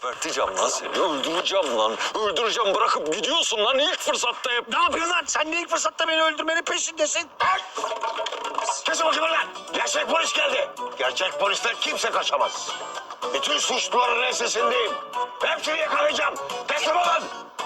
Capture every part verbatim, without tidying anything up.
Geberteceğim lan seni, öldüreceğim lan. Öldüreceğim, bırakıp gidiyorsun lan ilk fırsatta hep. Ne yapıyorsun lan? Sen de ilk fırsatta beni öldürmenin peşindesin. Kesin bakayım lan. Gerçek polis geldi. Gerçek polisten kimse kaçamaz. Bütün suçluların ensesindeyim. Hepsini yakalayacağım. Teslim olun.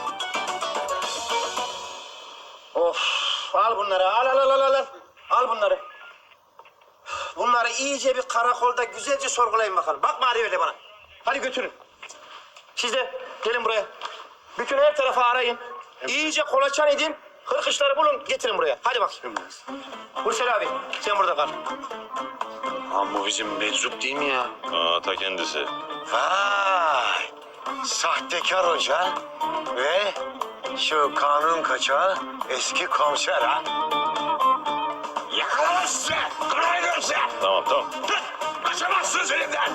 Of, al bunları, al al al al al. Al bunları. Bunları iyice bir karakolda güzelce sorgulayın bakalım. Bakma hadi öyle bana. Hadi götürün. Siz de gelin buraya. Bütün her tarafı arayın. İyice kolaçan edin. Hırkışları bulun, getirin buraya. Hadi bakayım. Hursel abi, sen burada kal. Lan bu bizim meczup değil mi ya? Aa, ta kendisi. Vay. Sahtekar hoca ve şu kanun kaçağı eski komiser ha. Yakalayın size. Kırayın size. Tamam, tamam. Dur. Kaçamazsınız elimden.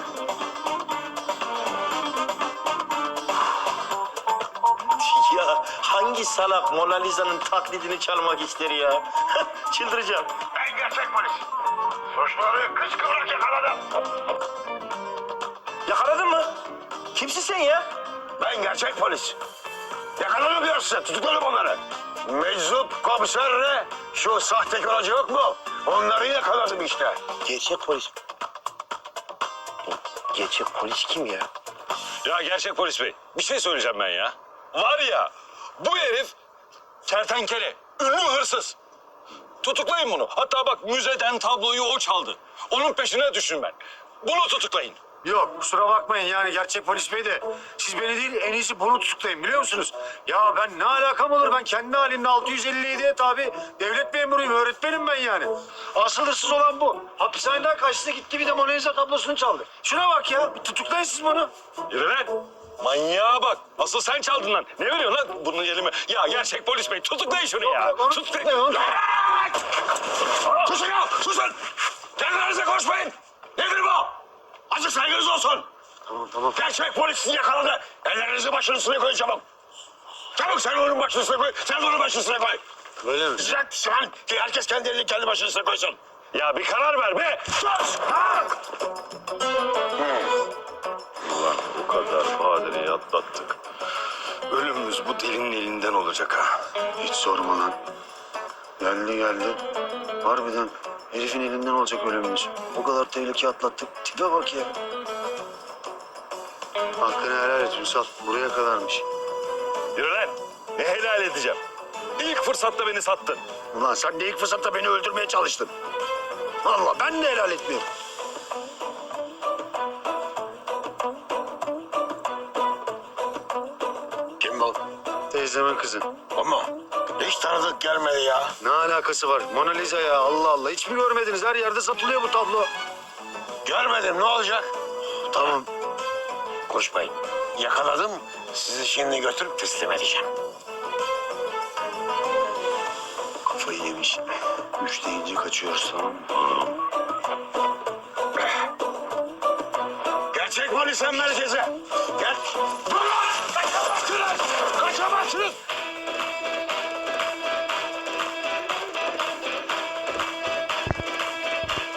Ya hangi salak Mona Lisa'nın taklidini çalmak ister ya? Çıldıracağım. Ben gerçek polis. Suçluları kıskıvrak yakaladım. Yakaladın mı? Kimsin sen ya? Ben gerçek polis. Yakaladım diyor size. Tutukladım onları. Meczup komiserle şu sahtekar hoca yok mu? Onları yakaladım işte. Gerçek polis. Gerçek polis kim ya? Ya gerçek polis bey, bir şey söyleyeceğim ben ya. Var ya, bu herif kertenkele, ünlü hırsız. Tutuklayın bunu. Hatta bak müzeden tabloyu o çaldı. Onun peşine düşün ben. Bunu tutuklayın. Yok kusura bakmayın yani gerçek polis bey de siz beni değil en iyisi bunu tutuklayın biliyor musunuz? Ya ben ne alakam olur ben kendi halinde altı yüz elli yediye tabi devlet memuruyum öğretmenim ben yani. Asıl hırsız olan bu. Hapishaneden kaçtı gitti bir de Mona Lisa tablosunu çaldı. Şuna bak ya bir tutuklayın siz bunu. Yürü lan. Manyağa bak. Asıl sen çaldın lan. Ne veriyorsun lan bunun elime? Ya gerçek polis bey tutuklayın şunu ya. Yok, onu Tutuklayın. tutuklayın, onu- Susun ya, susun! Kendinize konuşmayın! Nedir bu? Azıcık saygınız olsun! Tamam tamam. Gerçek polis sizi yakaladı. Ellerinizi başının üstüne koyun çabuk. Çabuk sen onun başının üstüne koy, sen de onun başının üstüne koy. Öyle mi? Sen, sen, herkes kendi elini kendi başının üstüne koysun. Ya bir karar ver be. Sus! Ha! Ulan o kadar badireyi atlattık. Ölümümüz bu delinin elinden olacak ha. Hiç sorma lan. Geldi geldi. Harbiden herifin elinden olacak ölümümüz. O kadar tehlike atlattık. Tipe bak ya. Hakkını helal et Ünsal. Buraya kadarmış. Yürü lan. Ne helal edeceğim. İlk fırsatta beni sattın. Ulan sen de ilk fırsatta beni öldürmeye çalıştın. Vallahi ben de helal etmiyorum. Kim bu? Teyzemin kızı. O mu? Hiç tanıdık gelmedi ya. Ne alakası var? Mona Lisa ya Allah Allah. Hiç mi görmediniz? Her yerde satılıyor bu tablo. Görmedim, ne olacak? Tamam. Koşmayın. Yakaladım, sizi şimdi götürüp teslim edeceğim. Kafayı yemiş. Üç deyince kaçıyoruz tamam mı? Gerçek polis merkeze. Gel.